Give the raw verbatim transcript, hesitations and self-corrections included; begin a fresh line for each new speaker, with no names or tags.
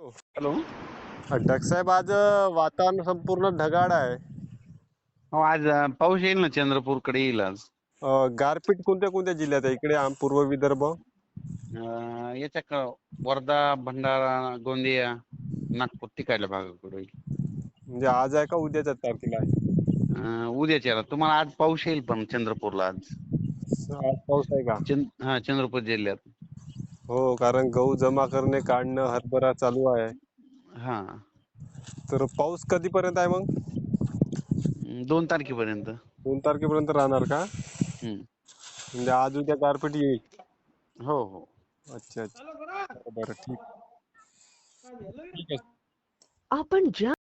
Hello.
अटक साहेब, आज अ, वातावरण संपूर्ण ढगाळ आहे.
हो, आज अ, पाऊस येईल ना, चंद्रपूरकडे येईल आज.
अ, गारपीट कोणत्या कोणत्या जिल्ह्यात आहे? इकडे आम पूर्व विदर्भ.
अ, याच्या क- वर्धा, भंडारा, गोंदिया, नागपूर तिकडल्या भागाकडे होईल.
म्हणजे आज आहे का उद्याच्या तारखेला आहे?
अ, उद्याच्या तुम्हाला आज पाऊस येईल पण चंद्रपूरला आज.
आज पाऊस आहे का?
चंद हा चंद्रपूर जिल्ह्यात.
हो, कारण गहू जमा करणे, काढणं, हरभरा चालू आहे.
हा.
तर पाऊस कधीपर्यंत आहे मग?
अं, दोन तारखेपर्यंत.
दोन तारखेपर्यंत राहणार का?
हम्म.
म्हणजे आज उद्या गारपीट येईल.
हो हो.
अच्छा अच्छा. बरं बरं, ठीक. ठीक आहे.
आपण ज्या